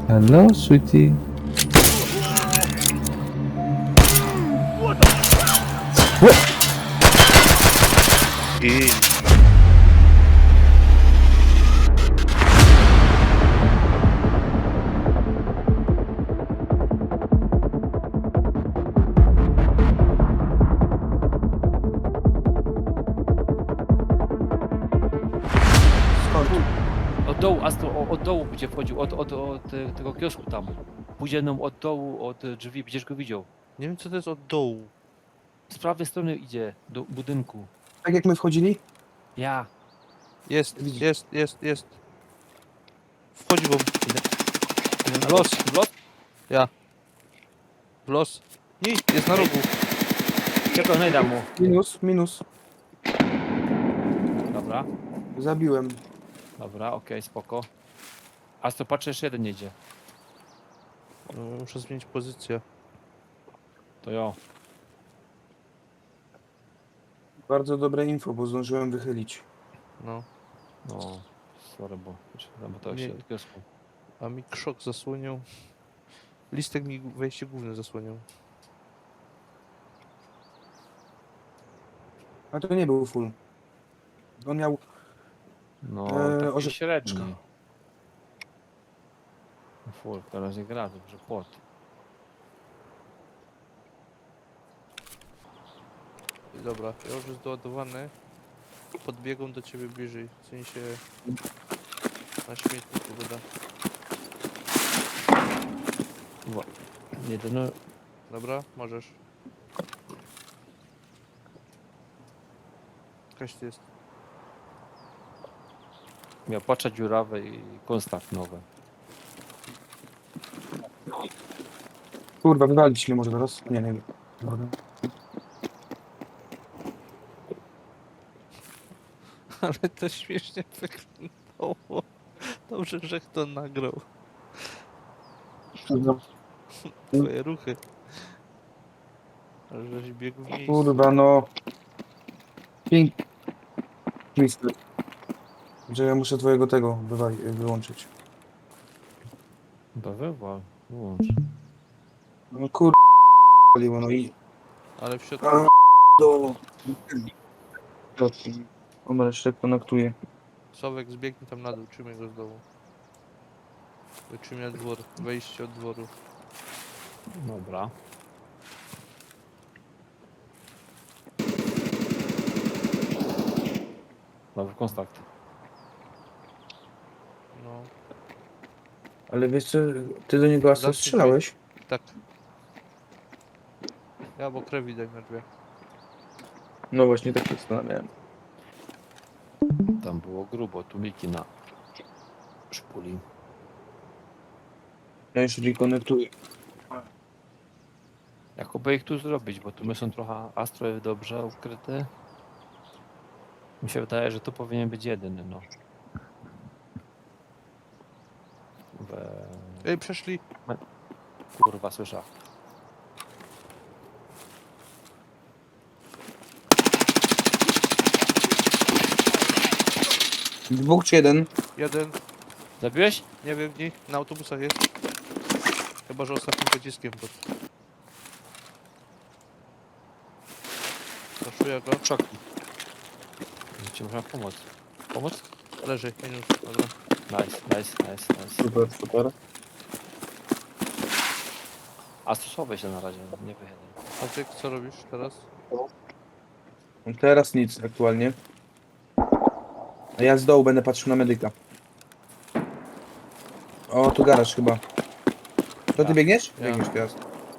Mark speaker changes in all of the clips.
Speaker 1: Hello, sweetie.
Speaker 2: I
Speaker 3: Skąd?
Speaker 4: Od dołu, Astro, od dołu będzie wchodził, od tego kiosku tam. Pójdzie nam od dołu, od drzwi, będziesz go widział.
Speaker 2: nie wiem co to jest od dołu.
Speaker 4: Z prawej strony idzie do budynku.
Speaker 3: Tak jak my wchodzili?
Speaker 4: Ja.
Speaker 2: Jest,
Speaker 3: Widzi.
Speaker 2: jest. Wchodzi wam.
Speaker 4: W los, w los?
Speaker 2: W los. Nie, jest na rogu.
Speaker 4: Czego najda mu?
Speaker 3: Minus.
Speaker 4: Dobra,
Speaker 3: Zabiłem.
Speaker 4: dobra, okej, spoko. Astro, patrzę, jeszcze jeden jedzie.
Speaker 2: No, muszę zmienić pozycję.
Speaker 4: To jo.
Speaker 3: Bardzo dobre info, bo zdążyłem wychylić.
Speaker 2: No.
Speaker 4: No, sorry, bo to
Speaker 2: Nie.
Speaker 4: się od kiosku.
Speaker 2: A mi krzok zasłonił. Listek mi wejście główne zasłonił.
Speaker 3: A to nie był full. On miał...
Speaker 4: No,
Speaker 3: orze-
Speaker 4: taki średni. Full, teraz nie gra, dobrze, płot.
Speaker 2: I dobra, ja już jest doładowany. Podbiegam do ciebie bliżej. W sensie... Na śmietniku woda.
Speaker 4: Jedyny,
Speaker 2: Dobra, możesz. Jakaś to jest.
Speaker 4: miał patrzeć dziurawe i konstakt nowe.
Speaker 3: Kurwa, wywalić mnie może teraz? Nie wiem. Dobra.
Speaker 2: Ale to śmiesznie wyglądało. Dobrze, że kto nagrał twoje ruchy. Ale żeś biegł w miejscu.
Speaker 3: Kurwa, no... Piękny. Że ja muszę twojego tego wyłączyć.
Speaker 4: To wywal, wyłącz.
Speaker 3: No kurwa, no i...
Speaker 2: Ale w środku
Speaker 3: A, do... On jeszcze konektuje.
Speaker 2: Sławek zbiegnie tam na dół, trzymaj go z dołu. Wytrzymaj dwór, wejście od dworu.
Speaker 4: Dobra. Nowy konstakt.
Speaker 2: No,
Speaker 3: Ale wiesz co, ty do niego
Speaker 2: Zawsze
Speaker 3: strzelałeś?
Speaker 2: tak. Ja, bo krew widać na drzwiach.
Speaker 3: No właśnie, tak się zastanawiałem.
Speaker 4: Tam było grubo, tu Miki na szpuli.
Speaker 3: Ja już rekonektuję.
Speaker 4: Jakoby ich tu zrobić, bo tu my są trochę Astro dobrze ukryte. Mi się wydaje, że tu powinien być jedyny, no.
Speaker 2: Ej, przeszli!
Speaker 4: Kurwa, słyszę.
Speaker 3: Dwóch czy jeden?
Speaker 2: Jeden,
Speaker 4: Zabiłeś?
Speaker 2: nie wiem, nie, na autobusach jest. Chyba, że ostatnim pociskiem był. Zaszuję go.
Speaker 4: Szok. Ci można pomóc. Pomóc?
Speaker 2: Leży, minus, dobra.
Speaker 4: Nice.
Speaker 3: Super, super.
Speaker 4: Astro, schowaj się na razie, nie wychylaj.
Speaker 2: A ty co robisz teraz?
Speaker 3: Teraz nic aktualnie. A ja z dołu będę patrzył na medyka. O, tu garaż chyba. To ty
Speaker 4: Ja.
Speaker 3: biegniesz?
Speaker 2: Ja.
Speaker 3: Biegniesz teraz.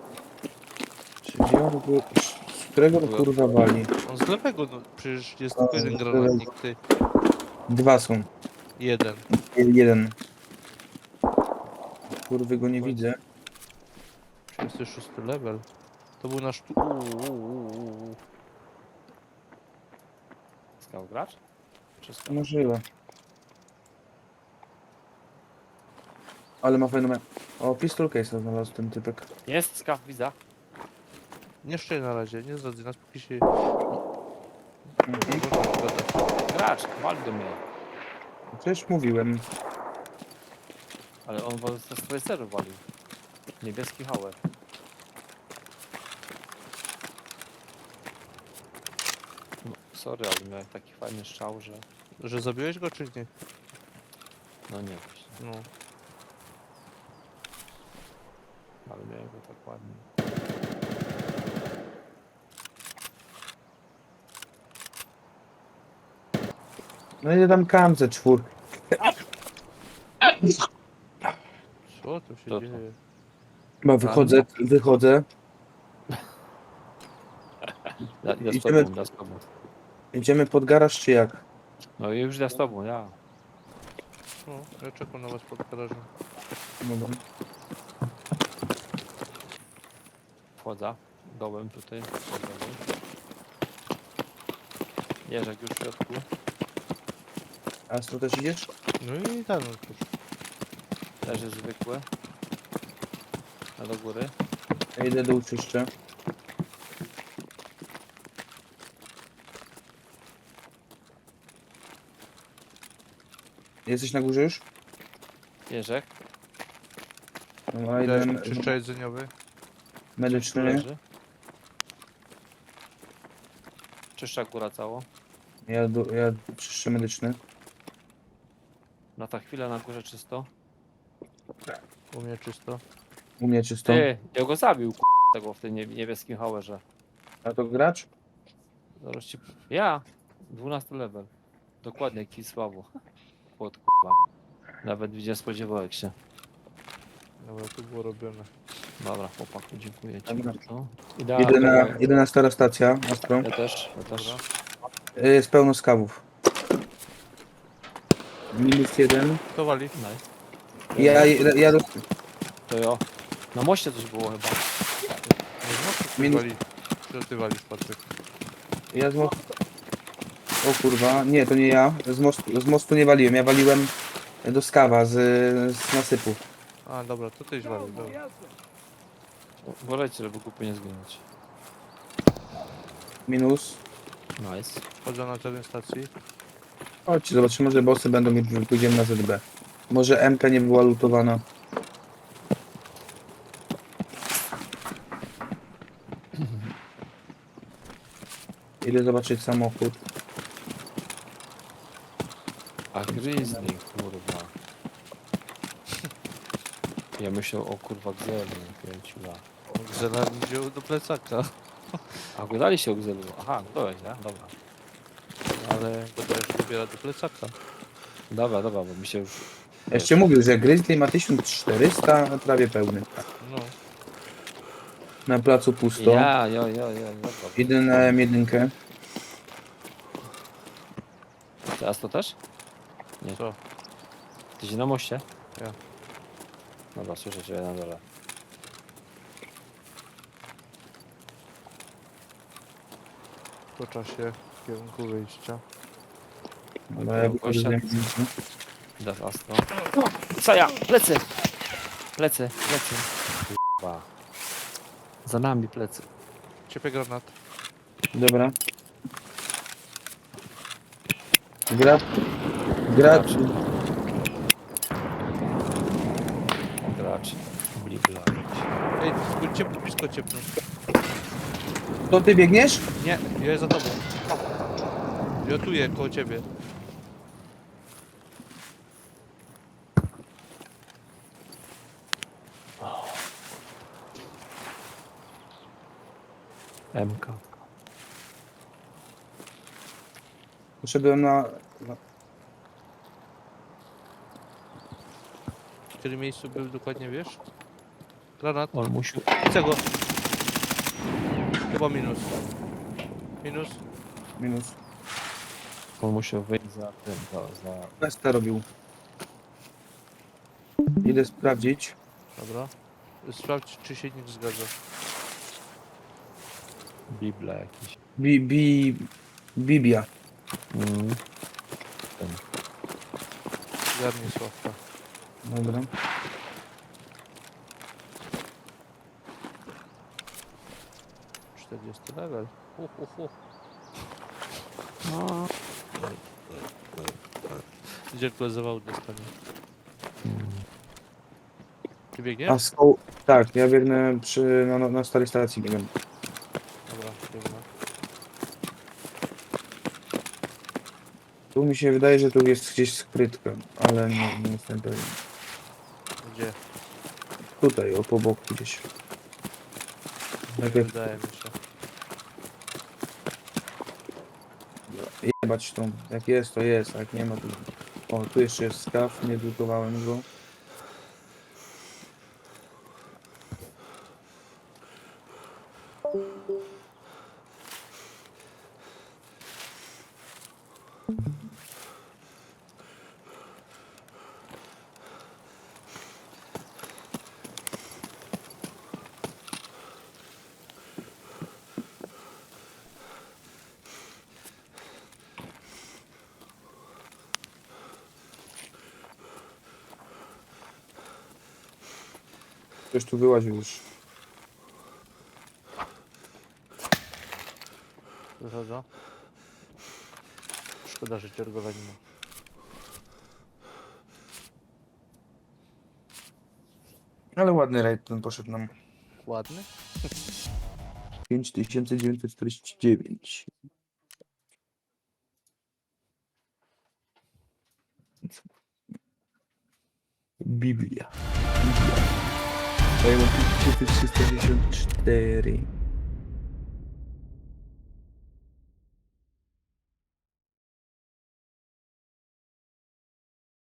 Speaker 3: Z którego to kurwa wali?
Speaker 2: On z lewego, no przecież jest tylko jeden granatnik, ty.
Speaker 3: Dwa są.
Speaker 2: Jeden.
Speaker 3: Jeden. Kurwy go nie widzę.
Speaker 2: 36 level. To był nasz...
Speaker 4: Skał gracz? Czy skał?
Speaker 3: Możliwe. Ale ma fajną... O, pistol case znalazł ten typek.
Speaker 4: Jest skaw, widzę.
Speaker 2: Nie szczerze na razie, nie zdradzę nas, póki się...
Speaker 4: Gracz, wal do mnie.
Speaker 3: Przecież mówiłem.
Speaker 4: Ale on was z traceru walił. Niebieski hałę. No, sorry, ale miałem taki fajny strzał, że...
Speaker 2: Że zabiłeś go czy nie?
Speaker 4: No nie właśnie.
Speaker 2: No.
Speaker 4: Ale miałem go tak ładnie.
Speaker 3: No i tam kamce czwór.
Speaker 2: Co tu się
Speaker 4: To co?
Speaker 2: dzieje?
Speaker 3: Chyba wychodzę.
Speaker 4: Ja z
Speaker 3: Idziemy-
Speaker 4: tobą, ja z tobą.
Speaker 3: Idziemy pod garaż czy jak?
Speaker 4: No i już ja z tobą, ja.
Speaker 2: No, ja czekam na was pod garażem.
Speaker 3: Dobra.
Speaker 4: Wchodzę. Dołem tutaj. Jeżek już w środku.
Speaker 3: A tu też idziesz?
Speaker 2: No i tak, no cóż.
Speaker 4: Też jest zwykłe. A do góry.
Speaker 3: Ja idę do uczyszcza. Jesteś na górze już?
Speaker 4: Jeżek.
Speaker 3: No, a
Speaker 2: Dajesz
Speaker 3: idę
Speaker 2: czyszcza jedzeniowy.
Speaker 3: medyczny.
Speaker 4: Leży. Czyszcza góra cało.
Speaker 3: Ja czyszczę medyczny.
Speaker 4: Na ta chwilę na górze czysto.
Speaker 2: U mnie czysto.
Speaker 3: U mnie czysto.
Speaker 4: Ty, ja go zabił tego w tym niebieskim hałerze.
Speaker 3: A to gracz?
Speaker 4: Zaraz ci... Ja! 12 level. Dokładnie, Kisławo. Pod k***a. Nawet nie spodziewałeś się.
Speaker 2: Dobra, tu było robione.
Speaker 4: Dobra, chłopaku, dziękuję ci
Speaker 3: Dobra.
Speaker 4: bardzo.
Speaker 3: Idę na stara stacja, Astro.
Speaker 4: Ja też, ja też.
Speaker 2: Dobra.
Speaker 3: Jest pełno skawów. -1.
Speaker 2: Kto wali?
Speaker 4: Nice.
Speaker 3: Ja
Speaker 4: To jo. Na moście coś było chyba.
Speaker 2: Nie z mostu ktoś
Speaker 3: Minus-
Speaker 2: wali. Czy ty walisz, Patryk?
Speaker 3: z mostu... O kurwa, nie, to nie ja. Z mostu nie waliłem, ja waliłem do skawa z nasypu.
Speaker 2: A, dobra, to tyś walił, dobra.
Speaker 4: Uważajcie, żeby głupio nie zginąć.
Speaker 3: Minus.
Speaker 4: Nice.
Speaker 2: Chodzę na teren stacji.
Speaker 3: Chodźcie, zobaczymy, może bossy będą i pójdziemy na ZB. Może MK nie była lutowana. Idę zobaczyć samochód.
Speaker 4: A Grizzly, kurwa. Ja myślę o kurwa Gzelu, kręciła.
Speaker 2: Zela mi wziął do plecaka.
Speaker 4: A gadali się o Gzelu. Aha, byłeś, nie? Dobra.
Speaker 2: Ale go też dobiera do plecaka.
Speaker 4: Dobra, bo mi się już...
Speaker 3: Jeszcze mówił, że Grizzly ma 1400, a prawie pełny.
Speaker 2: No.
Speaker 3: Na placu pusto.
Speaker 4: Ja, dobra.
Speaker 3: Idę na M1.
Speaker 4: Teraz to też?
Speaker 2: Co?
Speaker 4: Ty się na moście?
Speaker 2: Ja.
Speaker 4: Dobra, słyszę cię na dole.
Speaker 2: Po czasie w kierunku wyjścia.
Speaker 3: Dobra, ja wychodzę z M1.
Speaker 4: Dasz Astro. Co ja? Plecy! Plecy. Kurwa. Za nami plecy.
Speaker 2: Ciepły granat.
Speaker 3: Dobra. Gracz.
Speaker 4: Gracz. Blibla.
Speaker 2: Ej, blisko ciepnął.
Speaker 3: To ty biegniesz?
Speaker 2: Nie, ja za tobą. Jotuję koło ciebie.
Speaker 4: MK.
Speaker 3: Poszedłem na...
Speaker 2: W którym miejscu był dokładnie, wiesz? Granat.
Speaker 4: On musi...
Speaker 2: Chcę go. Chyba minus. Minus.
Speaker 3: Minus.
Speaker 4: On musiał wyjść za tym, za...
Speaker 3: Questa robił. Idę sprawdzić.
Speaker 2: Dobra. Sprawdź, czy się nikt zgadza.
Speaker 4: Bibla jakiś.
Speaker 3: Bibia.
Speaker 2: Zgarnij Sławka.
Speaker 3: Dobra.
Speaker 2: Hu. 40 level. Hu.
Speaker 4: No.
Speaker 2: Gdzie go zawał dostanie. Ty biegniesz?
Speaker 3: A z koło... Tak, ja biegnę na starej stacji biegam.
Speaker 2: Dobra, biegnę.
Speaker 3: Tu mi się wydaje, że tu jest gdzieś skrytka, ale nie jestem pewien.
Speaker 2: Gdzie?
Speaker 3: Tutaj, o po boku gdzieś.
Speaker 2: Nie
Speaker 3: Tak jak
Speaker 2: wydaje mi się.
Speaker 3: jebać tą. Jak jest, to jest, a jak nie ma, to... O, tu jeszcze jest skaw, nie drukowałem go. Ktoś tu wyłaził już.
Speaker 2: Wychodzę. Szkoda, że ciergowa nie ma.
Speaker 3: Ale ładny rajd ten poszedł nam.
Speaker 2: Ładny?
Speaker 3: 5949. Biblia. A ja mam 5364.